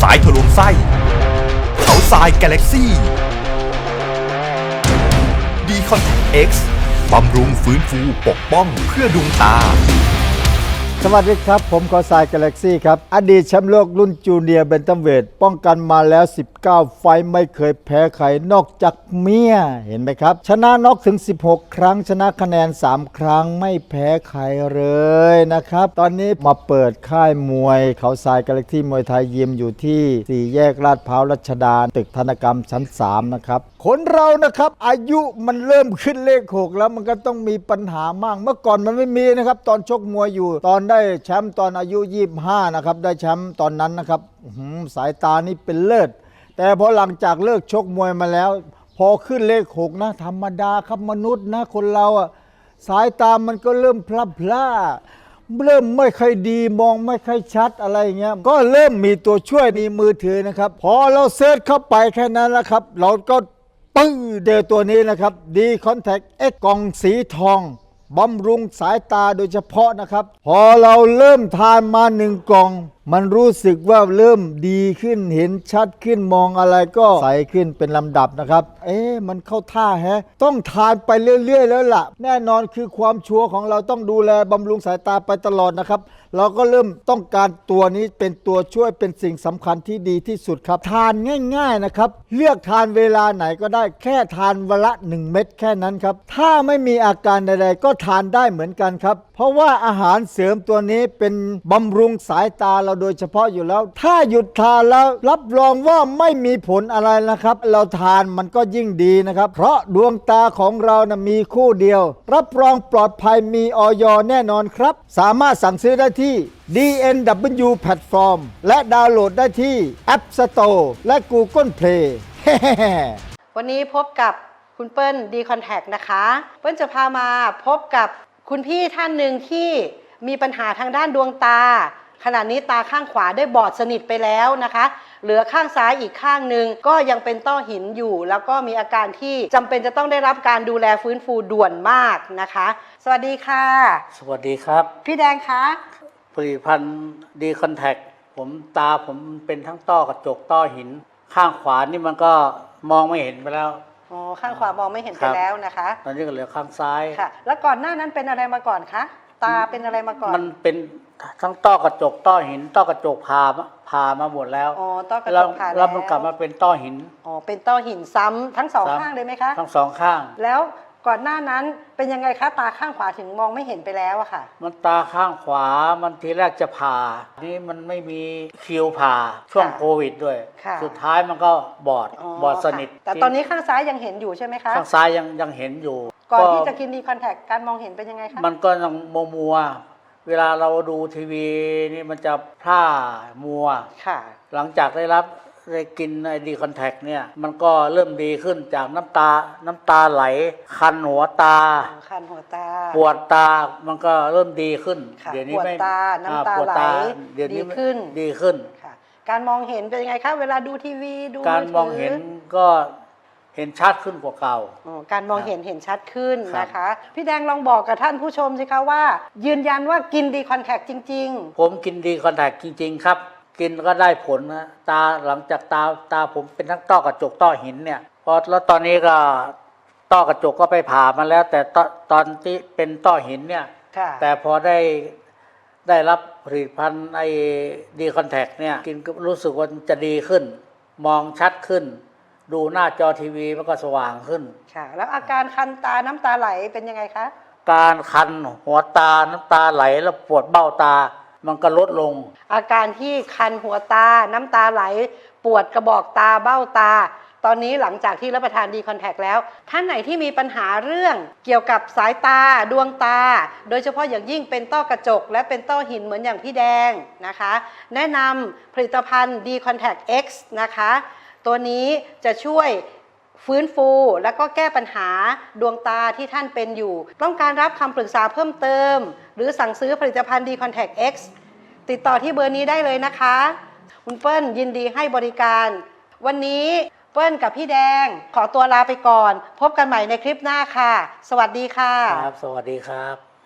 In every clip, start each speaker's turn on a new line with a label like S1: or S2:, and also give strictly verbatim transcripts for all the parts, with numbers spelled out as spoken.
S1: ายทะลวงไส้เขาทรายกาแล็กซี่ดีคอนแทค X บำรุงฟื้นฟูปกป้องเพื่อดวงตา
S2: สวัสดีครับผมขอสายกาแล็กซี่ครับอดีตแชมป์โลกรุ่นจูเนียร์เบนตัมเวทป้องกันมาแล้วสิบเก้าไฟต์ไม่เคยแพ้ใครนอกจากเมียเห็นไหมครับชนะน็อกถึงสิบหกครั้งชนะคะแนนสามครั้งไม่แพ้ใครเลยนะครับตอนนี้มาเปิดค่ายมวยเขาทรายกาแล็กซี่มวยไทยยิมอยู่ที่สี่แยกลาดพร้าวรัชดาตึกธนกรรมชั้นสามนะครับคนเรานะครับอายุมันเริ่มขึ้นเลขหกแล้วมันก็ต้องมีปัญหามากเมื่อก่อนมันไม่มีนะครับตอนชกมวยอยู่ตอนได้แชมป์ตอนอายุยี่สิบห้านะครับได้แชมป์ตอนนั้นนะครับสายตานี่เป็นเลิศแต่พอหลังจากเลิกชกมวยมาแล้วพอขึ้นเลขหกนะธรรมดาครับมนุษย์นะคนเราอ่ะสายตามันก็เริ่มพลับพล่าเริ่มไม่ค่อยดีมองไม่ค่อยชัดอะไรเงี้ยก็เริ่มมีตัวช่วยในมือถือนะครับพอเราเซิร์ชเข้าไปแค่นั้นแล้วครับเราก็ปึ้งเจอตัวนี้นะครับดีคอนแทค X กล่องสีทองบำรุงสายตาโดยเฉพาะนะครับพอเราเริ่มทานมาหนึ่งกล่องมันรู้สึกว่าเริ่มดีขึ้นเห็นชัดขึ้นมองอะไรก็ใสขึ้นเป็นลำดับนะครับเอ๊ะมันเข้าท่าแฮะต้องทานไปเรื่อยๆแล้วล่ะแน่นอนคือความชัวร์ของเราต้องดูแลบำรุงสายตาไปตลอดนะครับเราก็เริ่มต้องการตัวนี้เป็นตัวช่วยเป็นสิ่งสำคัญที่ดีที่สุดครับทานง่ายๆนะครับเลือกทานเวลาไหนก็ได้แค่ทานวันละหนึ่งเม็ดแค่นั้นครับถ้าไม่มีอาการใดๆก็ทานได้เหมือนกันครับเพราะว่าอาหารเสริมตัวนี้เป็นบำรุงสายตาเราโดยเฉพาะอยู่แล้วถ้าหยุดทานแล้วรับรองว่าไม่มีผลอะไรนะครับเราทานมันก็ยิ่งดีนะครับเพราะดวงตาของเรานะมีคู่เดียวรับรองปลอดภัยมีอย.แน่นอนครับสามารถสั่งซื้อได้ที่ ดี เอ็น ดับเบิลยู Platform และดาวน์โหลดได้ที่ App Store และ Google Play
S3: วันนี้พบกับคุณเปิ้ลดีคอนแทคนะคะเปิ้ลจะพามาพบกับคุณพี่ท่านหนึ่งที่มีปัญหาทางด้านดวงตาขณะนี้ตาข้างขวาได้บอดสนิทไปแล้วนะคะเหลือข้างซ้ายอีกข้างหนึ่งก็ยังเป็นต้อหินอยู่แล้วก็มีอาการที่จำเป็นจะต้องได้รับการดูแลฟื้นฟูด่วนมากนะคะสวัสดีค่ะ
S4: สวัสดีครับ
S3: พี่แดงคะ
S4: ผลิตภัณฑ์ดีคอนแทคผมตาผมเป็นทั้งต้อกระจกต้อหินข้างขวานี่มันก็มองไม่เห็นไปแล้ว
S3: อ๋อข้างขวามองไม่เห็นไปแล้วนะคะ
S4: ตอนนี้ก็เหลือข้างซ้าย
S3: ค่ะแล้วก่อนหน้านั้นเป็นอะไรมาก่อนคะตาเป็นอะไรมาก่อน
S4: มันเป็นทั้งต้อกระจกต้อหินต้อกระจกผ่าผ่ามาหมดแล้ว
S3: อ๋อต้อกระจกผ่าแล้ว
S4: แล้วมันกลับมาเป็นต้อหิน
S3: อ๋อเป็นต้อหินซ้ำทั้งสองข้างเลยไหมคะ
S4: ทั้งสองข้าง
S3: แล้วก่อนหน้านั้นเป็นยังไงคะตาข้างขวาถึงมองไม่เห็นไปแล้วอะค่ะ
S4: มันตาข้างขวามันทีแรกจะผ่านี่มันไม่มีคิวผ่าช่วงโควิดด้วยสุดท้ายมันก็บอดบอดสนิท
S3: แต่ตอนนี้ข้างซ้ายยังเห็นอยู่ใช่ไหมคะ
S4: ข้างซ้ายยังยังเห็นอยู่
S3: ก่อนที่จะกินดีคอนแทคการมองเห็นเป็นยังไงคะ
S4: มันก็ยังมัวมัวเวลาเราดูทีวีนี่มันจะพร่ามัว
S3: ค่ะ
S4: หลังจากได้รับได้กินไอดีคอนแทคเนี่ยมันก็เริ่มดีขึ้นจากน้ำตาน้ำตาไหลคันหัวตา
S3: คันหัวตา
S4: ปวดตามันก็เริ่มดีขึ้น
S3: เดี๋ยวนี้ไม่ปวดตาน้ำตาไหล
S4: เดี๋ยวนี้
S3: ขึ้น
S4: ดีขึ้น
S3: ค่ะการมองเห็นเป็นยังไงคะเวลาดูทีวีดู
S4: การมองเห็นก็เห็นชัดขึ้นกว่าเก่า
S3: การมองเห็นเห็นชัดขึ้นนะคะพี่แดงลองบอกกับท่านผู้ชมสิคะว่ายืนยันว่ากินดีคอนแทคจริง
S4: ๆผมกินดีคอนแทคจริงๆครับกินก็ได้ผลนะตาหลังจากตาตาผมเป็นทั้งต้อกระจกต้อหินเนี่ยพอแล้วตอนนี้ก็ต้อกระจกก็ไปผ่ามาแล้วแต่ตตอนที่เป็นต้อหินเนี่ยแต่พอได้ได้รับผลิตภัณฑ์ไอ้ดีคอนแทคเนี่ยกินก็รู้สึกว่าจะดีขึ้นมองชัดขึ้นดูหน้าจอทีวีมันก็สว่างขึ้น
S3: ค่ะแล้วอาการคันตาน้ำตาไหลเป็นยังไงคะ
S4: การคันหัวตาน้ำตาไหลแล้วปวดเบ้าตามันก็ลดลง
S3: อาการที่คันหัวตาน้ำตาไหลปวดกระบอกตาเบ้าตาตอนนี้หลังจากที่รับประทานดีคอนแทคแล้วท่านไหนที่มีปัญหาเรื่องเกี่ยวกับสายตาดวงตาโดยเฉพาะอย่างยิ่งเป็นต้อกระจกและเป็นต้อหินเหมือนอย่างพี่แดงนะคะแนะนำผลิตภัณฑ์ดีคอนแทค X นะคะตัวนี้จะช่วยฟื้นฟูและก็แก้ปัญหาดวงตาที่ท่านเป็นอยู่ต้องการรับคำปรึกษาเพิ่มเติมหรือสั่งซื้อผลิตภัณฑ์ดีคอนแทค X ติดต่อที่เบอร์นี้ได้เลยนะคะคุณเปิ้ลยินดีให้บริการวันนี้เปิ้ลกับพี่แดงขอตัวลาไปก่อนพบกันใหม่ในคลิปหน้าค่ะสวัสดีค่ะ
S4: ครับสวัสดีครับ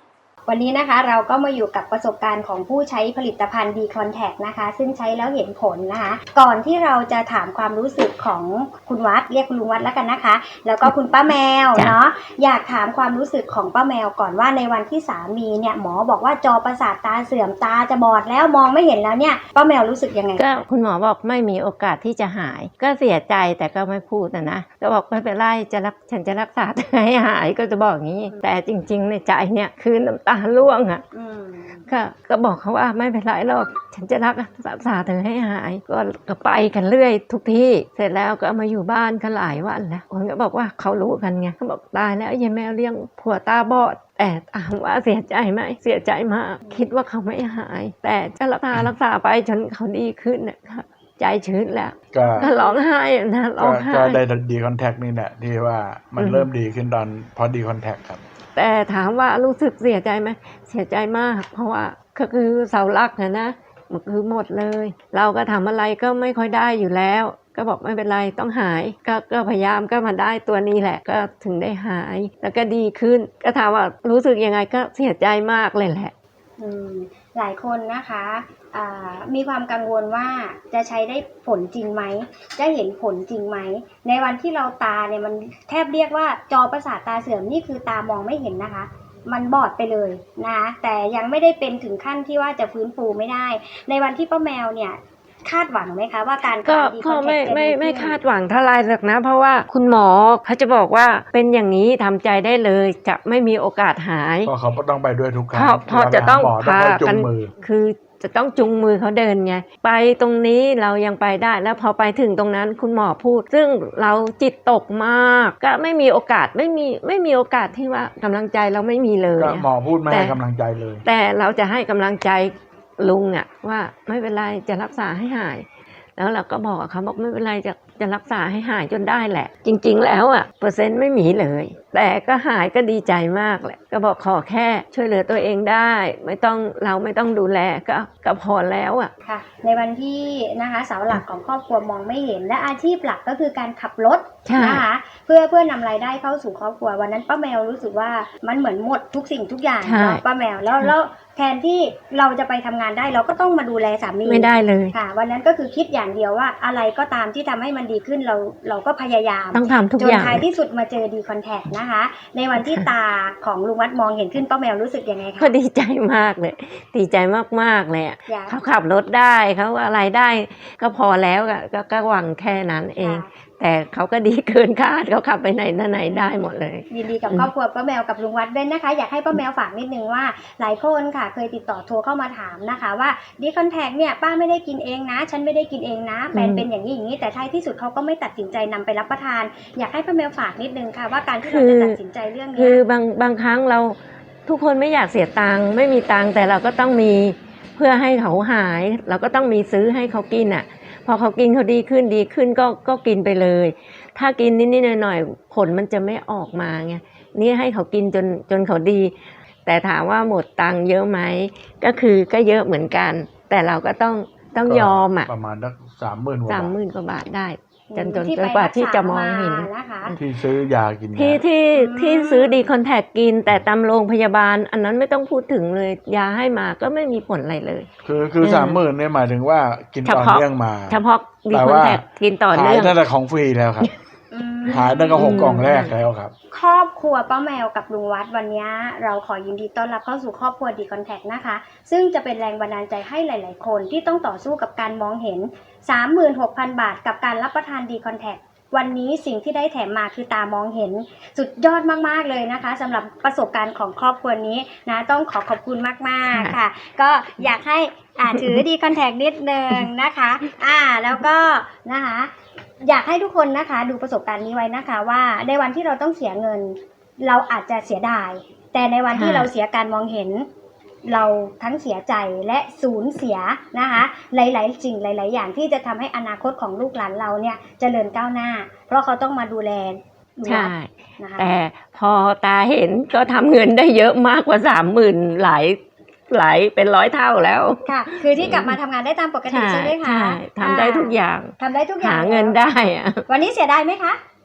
S5: วันนี้นะคะเราก็มาอยู่กับประสบการณ์ของผู้ใช้ผลิตภัณฑ์ ดี Contact นะคะซึ่งใช้แล้วเห็นผลนะคะก่อนที่เราจะถามความรู้สึกของคุณวัดเรียกคุณลุงวัดแล้วกันนะคะแล้วก็คุณป้าแมวเนาะอยากถามความรู้สึกของป้าแมวก่อนว่าในวันที่สามีเนี่ยหมอบอกว่าจอประสาทตาเสื่อมตาจะบอดแล้วมองไม่เห็นแล้วเนี่ยป้าแมวรู้สึกยังไง
S6: ก็คุณหมอบอกไม่มีโอกาสที่จะหายก็เสียใจแต่ก็ไม่พูดนะนะก็บอกไม่เป็นไรจะรักฉันจะรักษาให้หายก็จะบอกอย่างนี้แต่จริงๆในใจเนี่ยคือน้ำตาร่วงอ่ะก็ก็บอกเขาว่าไม่เป็นไรหรอกฉันจะรักษาเธอให้หายก็ก็ไปกันเรื่อยทุกที่เสร็จแล้วก็มาอยู่บ้านกันหลายวันแล้วคนก็บอกว่าเขารู้กันไงเขาบอกตายแล้วยายแมวเลี้ยงผัวตาบอดแต่ถามว่าเสียใจไหมเสียใจมากคิดว่าเขาไม่หายแต่จะรักษารักษาไปจนเขาดีขึ้นนะคะใจชื้นแล้วก็ร้องไห้นะร้องไห้
S7: ก็ได้ดีคอนแทคนี่แหละที่ว่ามันเริ่มดีขึ้นตอนพอดีคอนแทคครับ
S6: แต่ถามว่ารู้สึกเสียใจไหมเสียใจมากเพราะว่าก็คือเสาหลักนะนะมันคือหมดเลยเราก็ทำอะไรก็ไม่ค่อยได้อยู่แล้วก็บอกไม่เป็นไรต้องหายก็ก็พยายามก็มาได้ตัวนี้แหละก็ถึงได้หายแล้วก็ดีขึ้นก็ถามว่ารู้สึกยังไงก็เสียใจมากเลยแหละ
S5: อืมหลายคนนะคะมีความกังวลว่าจะใช้ได้ผลจริงไหมจะเห็นผลจริงไหมในวันที่เราตาเนี่ยมันแทบเรียกว่าจอประสาทตาเสื่อมนี่คือตามองไม่เห็นนะคะมันบอดไปเลยนะคะแต่ยังไม่ได้เป็นถึงขั้นที่ว่าจะฟื้นฟูไม่ได้ในวันที่ป้าแมวเนี่ยคาดหวังไหมคะว่าการ
S6: ก็ก็ไม่ไม่ไม่คาดหวังเท่าไรหรอกนะเพราะว่าคุณหมอเขาจะบอกว่าเป็นอย่างนี้ทำใจได้เลยจะไม่มีโอกาสหาย
S7: เพราะเขาก็ต้องไปด้วยทุกครั้ง
S6: เพราะจะต้องพากันคือจะต้องจุงมือเขาเดินไงไปตรงนี้เรายังไปได้แล้วพอไปถึงตรงนั้นคุณหมอพูดซึ่งเราจิตตกมากก็ไม่มีโอกาสไม่มีไม่มีโอกาสที่ว่ากำลังใจเราไม่มีเลย
S7: หมอพูดไม่ให้กำลังใจเลย
S6: แต่เราจะให้กำลังใจลุงอะว่าไม่เป็นไรจะรักษาให้หายแล้วเราก็บอกเขาบอกไม่เป็นไรจะจะรักษาให้หายจนได้แหละจริงๆแล้วอ่ะเปอร์เซ็นต์ไม่มีเลยแต่ก็หายก็ดีใจมากแหละก็บอกขอแค่ช่วยเหลือตัวเองได้ไม่ต้องเราไม่ต้องดูแลก็ก็พอแล้วอ่ะ
S5: ค่ะในวันที่นะคะเสาหลักของครอบครัวมองไม่เห็นและอาชีพหลักก็คือการขับรถนะคะเพื่อเพื่อนำรายได้เข้าสู่ครอบครัววันนั้นป้าแมวรู้สึกว่ามันเหมือนหมดทุกสิ่งทุกอย่างเนาะป้าแมวแล้วแล้วแทนที่เราจะไปทำงานได้เราก็ต้องมาดูแลสามี
S6: ไม่ได้เลย
S5: ค่ะวันนั้นก็คือคิดอย่างเดียวว่าอะไรก็ตามที่ทำให้มันดีขึ้นเราเราก็พยายาม
S6: ต้องทำทุกอย่าง
S5: จนท้ายที่สุดมาเจอดีคอนแทคนะคะในวันที่ตาของลุงวัดมองเห็นขึ้นป้าแมวรู้สึกยังไงคะ
S6: ก็ดีใจมากเลยดีใจมากๆเลยเขาขับรถได้เขาอะไรได้ก็พอแล้วก็ก็หวังแค่นั้นเองแต่เขาก็ดีเกินคาดเขาขับไปไหนมาไหนได้หมดเลย
S5: ยินดีกับครอบครัวป้าแมวกับลุงวัดด้วยนะคะอยากให้ป้าแมวฝากนิดนึงว่าหลายคนค่ะเคยติดต่อโทรเข้ามาถามนะคะว่าดีคอนแทคเนี่ยป้าไม่ได้กินเองนะฉันไม่ได้กินเองนะแฟนเป็นอย่างนี้อย่างนี้แต่ท้ายที่สุดเขาก็ไม่ตัดสินใจนำไปรับประทานอยากให้ป้าแมวฝากนิดนึงค่ะว่าการที่เราจะตัดสินใจเรื่องนี้
S6: คือบางบางครั้งเราทุกคนไม่อยากเสียตังค์ไม่มีตังค์แต่เราก็ต้องมีเพื่อให้เขาหายเราก็ต้องมีซื้อให้เขากินอ่ะพอเขากินเขาดีขึ้นดีขึ้นก็ก็กินไปเลยถ้ากินนิดๆหน่อยๆผลมันจะไม่ออกมาไงนี่ให้เขากินจนจนเขาดีแต่ถามว่าหมดตังค์เยอะไหมก็คือก็เยอะเหมือนกันแต่เราก็ต้องต้องยอมอ่ะ
S7: ประมาณสักสามหมื่นกว่า
S6: สามหมื่นกว่าบาทได้จนจนกว่าที่จะมองเห็น
S7: ที่ซื้อยากิน
S6: ที่ที่ที่ซื้อดีคอนแทคกินแต่ตามโรงพยาบาลอันนั้นไม่ต้องพูดถึงเลยยาให้มาก็ไม่มีผลอะไรเลย
S7: คือคือสามหมื่นเนี่ยหมายถึงว่ากินต่อเนื่องมา
S6: เฉพาะดีคอนแทคกินต่อเนื่อง
S7: หายตั้งแต่ของฟรีแล้วครับหายตั้งแต่หกกล่องแรกแล้วครับ
S5: ครอบครัวป้าแมวกับลุงวัดวันนี้เราขอยินดีต้อนรับเข้าสู่ครอบครัวดีคอนแทคนะคะซึ่งจะเป็นแรงบันดาลใจให้หลายๆคนที่ต้องต่อสู้กับการมองเห็น สามหมื่นหกพัน บาทกับการรับประทานดีคอนแทควันนี้สิ่งที่ได้แถมมาคือตามองเห็นสุดยอดมากๆเลยนะคะสำหรับประสบการณ์ของครอบครัวนี้นะต้องขอขอบคุณมากๆค่ะก็อยากให้อ่าถือดีคอนแทคนิดนึงนะคะอ่าแล้วก็นะคะอยากให้ทุกคนนะคะดูประสบการณ์นี้ไว้นะคะว่าในวันที่เราต้องเสียเงินเราอาจจะเสียดายแต่ในวันที่เราเสียการมองเห็นเราทั้งเสียใจและสูญเสียนะคะหลายๆสิ่งหลายๆอย่างที่จะทำให้อนาคตของลูกหลานเราเนี่ยเจริญก้าวหน้าเพราะเขาต้องมาดูแล
S6: ใช่แต่พอตาเห็นก็ทำเงินได้เยอะมากกว่าสามหมื่นหลายหลายเป็นร้อยเท่าแล้ว
S5: ค่ะคือที่กลับมาทำงานได้ตามปกติใช่ไหมคะ
S6: ใช่ทำได้ทุกอย่าง
S5: ทำได้ทุกอย่าง
S6: หาเงินได้อะ
S5: วันนี้เสียดายไหมคะ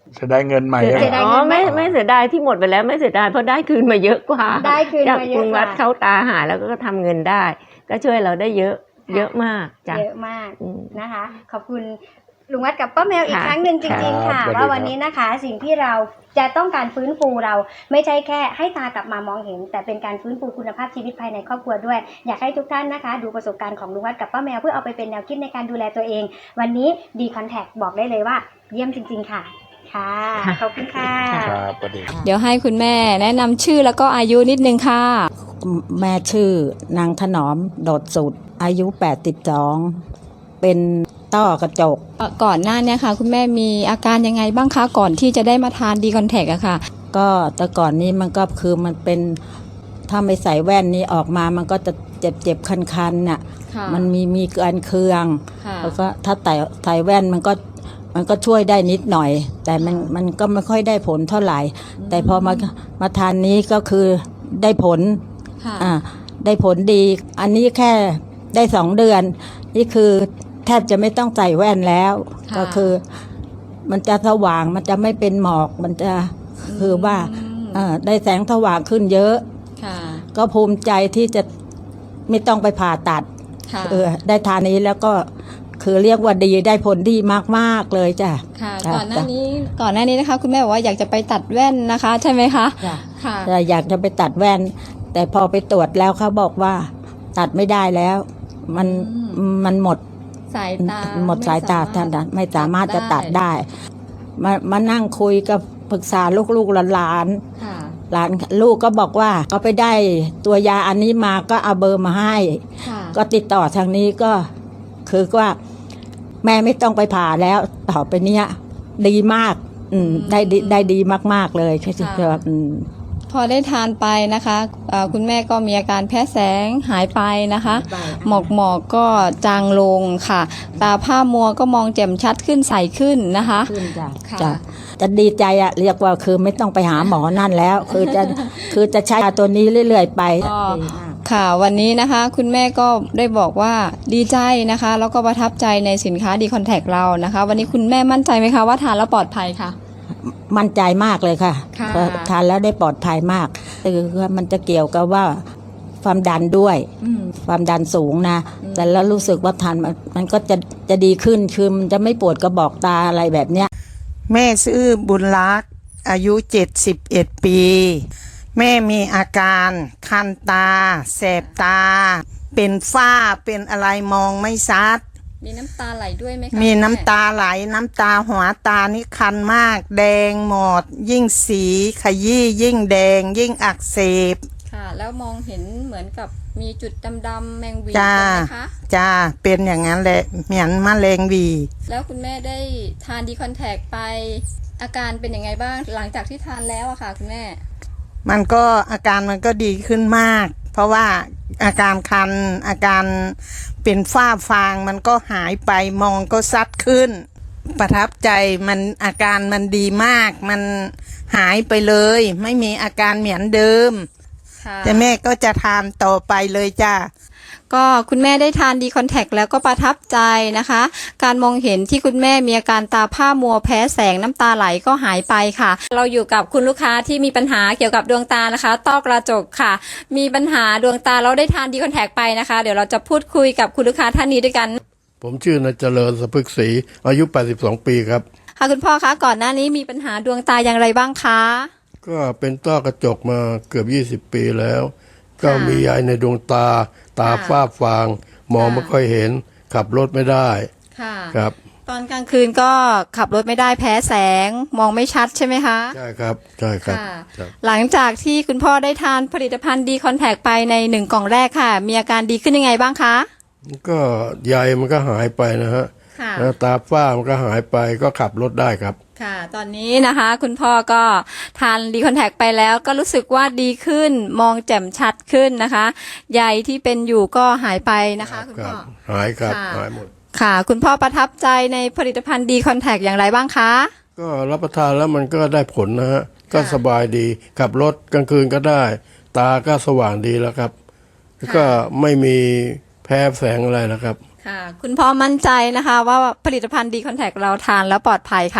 S7: จะได้เงินใหม่
S5: เสียดาย
S6: อ๋อไม่ไม่เสียดายที่หมดไปแล้วไม่เสียดายเพราะได้คืนมาเยอะกว่า
S5: ได้คืน
S6: จาก
S5: มาเย
S6: กรุ
S5: อะ
S6: ง
S5: ก
S6: รั
S5: ว่า
S6: ฐเข้าตาหาแล้วก็ทำเงินได้ ก็ช่วยเราได้เยอะ เยอะมากจ้ะ
S5: เยอะมาก
S6: อืม
S5: นะคะ ขอบคุณลุงวัดกับป้าแมวอีก
S6: ค่ะ
S5: ครั้งหนึ่งจริงๆ
S7: ครั
S5: ค่ะ
S7: บสวัสดี
S5: ว่า
S7: ครับ
S5: วันนี้นะคะ สิ่งที่เราจะต้องการฟื้นฟูเราไม่ใช่แค่ให้ตากลับมามองเห็น แต่เป็นการฟื้นฟูคุณภาพชีวิตภายในครอบครัวด้วย อยากให้ทุกท่านนะคะ ดูประสบการณ์ของลุงวัดกับป้าแมวเพื่อเอาไปเป็นแนวคิดในการดูแลตัวเอง วันนี้ดีคอนแทคบอกได้เลยว่า เยี่ยมจริง ๆ ค่ะ ค่ะ ขอบคุณค่ะ
S7: ครับสวัสดีครับ
S8: เดี๋ยวให้คุณแม่แนะนำชื่อแล้วก็อายุนิดนึงค่ะ
S9: แม่ชื่อนางถนอมโดดสุดอายุแปดสิบสองเป็นต้อกระจก
S8: ก่อนหน้าเนี้ค่ะ คุณแม่มีอาการยังไงบ้างคะก่อนที่จะได้มาทานดีคอนแทคอะค่ะ
S9: ก็แต่ก่อนนี้มันก็คือมันเป็นถ้าไม่ใส่แว่นนี้ออกมามันก็จะเจ็บเจ็บคันคันๆน่ะ
S8: ค่ะ
S9: มันมีมีเกินเคือง
S8: ค่ะ
S9: แล้วก็ถ้าใส่ใส่แว่นมันก็มันก็ช่วยได้นิดหน่อย แต่มันมันก็ไม่ค่อยได้ผลเท่าไหร่ แต่พอมามาทานนี้ก็คือได้ผล
S8: ค่ะ
S9: อ่าได้ผลดี อันนี้แค่ได้สองเดือน นี่คือแทบจะไม่ต้องใส่แว่นแล้ว
S8: ค่ะ
S9: ก็คือ มันจะสว่างมันจะไม่เป็นหมอกมันจะคือว่า
S8: อืม
S9: เอ่อได้แสงสว่างขึ้นเยอะ
S8: ค่ะ
S9: ก็ภูมิใจที่จะไม่ต้องไปผ่าตัด
S8: ค่ะ
S9: เออได้ทานนี้แล้วก็คือเรียกว่าดีได้ผลดีมากๆเลยจ้ะ
S8: ค่ะ
S9: จ้ะ
S8: ก่อนหน้านี้ก่อนหน้านี้นะคะ คุณแม่บอกว่าอยากจะไปตัดแว่นนะคะ ใช่ไหมคะ
S9: จ้ะ
S8: ค่ะ
S9: แต่อยากจะไปตัดแว่น แต่พอไปตรวจแล้วเขาบอกว่า ตัดไม่ได้แล้ว มัน
S8: อืม
S9: มันหมด
S8: สายตา
S9: หมดสายตาท่านนะไม่สามารถจะตัดได้ มามานั่งคุยกับปรึกษาลูกๆหลาน
S8: ค่ะ
S9: ๆหลานลูกก็บอกว่าก็ไปได้ตัวยาอันนี้มาก็เอาเบอร์มาให้
S8: ค่ะ
S9: ก็ติดต่อทางนี้ก็คือว่าแม่ไม่ต้องไปผ่าแล้ว ต่อไปเนี้ยดีมาก อืมได้ดีได้ดีมาก ๆ เลยคือว่าอืม
S8: พอได้ทานไปนะคะเอ่อคุณแม่ก็มีอาการแพ้แสงหายไปนะคะ หมอกหมอกก็จางลงค่ะ ตาผ้ามัวก็มองแจ่มชัดขึ้นใสขึ้นนะคะ
S9: ขึ้นจ้ะ
S8: ค่ะ
S9: จ้ะจะดีใจอะเรียกว่าคือไม่ต้องไปหาหมอนั่นแล้ว คือจะคือจะใช้ยาตัวนี้เรื่อยๆไป
S8: ก็
S9: ดีมาก
S8: ค่ะวันนี้นะคะคุณแม่ก็ได้บอกว่าดีใจนะคะ แล้วก็ประทับใจในสินค้าดีคอนแทคเรานะคะ วันนี้คุณแม่มั่นใจไหมคะว่าทานแล้วปลอดภัยค่ะ
S9: มั่นใจมากเลยค่ะ
S8: ค่ะ
S9: เพราะทานแล้วได้ปลอดภัยมากคือมันจะเกี่ยวกับว่าความดันด้วย
S8: อืม
S9: ความดันสูงนะ แต่แล้วรู้สึกว่าทานมันมันก็จะจะดีขึ้นคือมันจะไม่ปวดกระบอกตาอะไรแบบเนี้ย
S10: แม่ชื่อบุญรักษ์อายุเจ็ดสิบเอ็ดปี แม่มีอาการคันตา แสบตา เป็นฝ้าเป็นอะไรมองไม่ชัด
S8: มีน้ำตาไหลด้วยไหมคะ
S10: มี
S8: คุณแ
S10: น้ำตาไหลน้ำตาหัวตานี่คันมาก แดงหมด ยิ่งสีขยี้ยิ่งแดง ยิ่งอักเสบ
S8: ค่ะ แล้วมองเห็นเหมือนกับมีจุดดำๆแมงวี
S10: จ้า
S8: ใช่ไหมคะ
S10: จ้าเป็นอย่างนั้นแหละเหมือนมะเร็งหวี
S8: แล้วคุณแม่ได้ทานดีคอนแทคไป อาการเป็นยังไงบ้างหลังจากที่ทานแล้วอะค่ะคุณแม่
S10: มันก็อาการมันก็ดีขึ้นมาก เพราะว่าอาการคันอาการเป็นฝ้าฟางมันก็หายไปมองก็ซัดขึ้น ประทับใจมันอาการมันดีมาก มันหายไปเลย ไม่มีอาการเหมือนเดิม
S8: ค่ะ
S10: แต่แม่ก็จะทานต่อไปเลยจ้า
S8: ก็คุณแม่ได้ทานดีคอนแทคแล้วก็ประทับใจนะคะ การมองเห็นที่คุณแม่มีอาการตาผ้ามัวแพ้แสงน้ำตาไหลก็หายไปค่ะ เราอยู่กับคุณลูกค้าที่มีปัญหาเกี่ยวกับดวงตานะคะต้อกระจกค่ะ มีปัญหาดวงตาเราได้ทานดีคอนแทคไปนะคะ เดี๋ยวเราจะพูดคุยกับคุณลูกค้าท่านนี้ด้วยกัน
S11: ผมชื่อนายเจริญสะพึกศรีอายุแปดสิบสองปีครับ
S8: ค่ะคุณพ่อคะก่อนหน้านี้มีปัญหาดวงตาอย่างไรบ้างคะ
S11: ก็เป็นต้อกระจกมาเกือบยี่สิบปีแล้ว ก็มียายในดวงตา ตา
S8: ค่ะ
S11: ฝ้าฟาง มอง
S8: ค่ะ
S11: ไม่ค่อยเห็น ขับรถไม่ได้
S8: ค่ะ
S11: ครับ
S8: ตอนกลางคืนก็ขับรถไม่ได้แพ้แสงมองไม่ชัดใช่ไหมคะ
S11: ใช่ครับใช่ครับ
S8: ค่ะ
S11: ครับ
S8: หลังจากที่คุณพ่อได้ทานผลิตภัณฑ์ดีคอนแทคไปในหนึ่งกล่องแรกค่ะ มีอาการดีขึ้นยังไงบ้างคะ
S11: ก็ใยมันก็หายไปนะฮะ
S8: ค่ะ
S11: แล้วตาฝ้ามันก็หายไปก็ขับรถได้ครับ
S8: ค่ะ ตอนนี้นะคะ คุณพ่อก็ทานดีคอนแทคไปแล้วก็รู้สึกว่าดีขึ้นมองแจ่มชัดขึ้นนะคะใยที่เป็นอยู่ก็หายไปนะคะ คุณ
S11: ครั
S8: พ่
S11: บ
S8: อ
S11: หายครับ
S8: ค่ะ
S11: หายหมด
S8: ค่ะ คุณพ่อประทับใจในผลิตภัณฑ์ดีคอนแทคอย่างไรบ้างคะ
S11: ก็รับประทานแล้วมันก็ได้ผลนะฮะ ก็
S8: ค่ะ
S11: สบายดี ขับรถกลางคืนก็ได้ ตาก็สว่างดีแล้วครับแล้วก็ไม่มีแพ้แสงอะไรแล้วครับ
S8: ค่ะ คุณพ่อมั่นใจนะคะ ว่าผลิตภัณฑ์ดีคอนแทคเราทานแล้วปลอดภัยค่ะ
S11: ค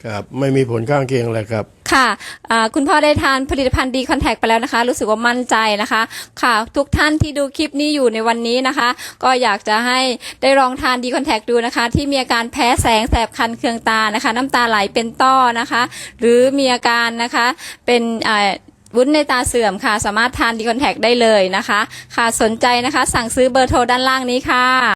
S11: ครับไม่มีผลข้างเคียงอะไรครับ
S8: ค่ะอ่าคุณพ่อได้ทานผลิตภัณฑ์ดีคอนแทคไปแล้วนะคะรู้สึกว่ามั่นใจนะคะค่ะทุกท่านที่ดูคลิปนี้อยู่ในวันนี้นะคะก็อยากจะให้ได้ลองทานดีคอนแทคดูนะคะที่มีอาการแพ้แสงแสบคันเคืองตานะคะน้ำตาไหลเป็นต้อนะคะหรือมีอาการนะคะเป็นอ่าวุ้นในตาเสื่อมค่ะสามารถทานดีคอนแทคได้เลยนะคะค่ะสนใจนะคะสั่งซื้อเบอร์โทรด้านล่างนี้ค่ะ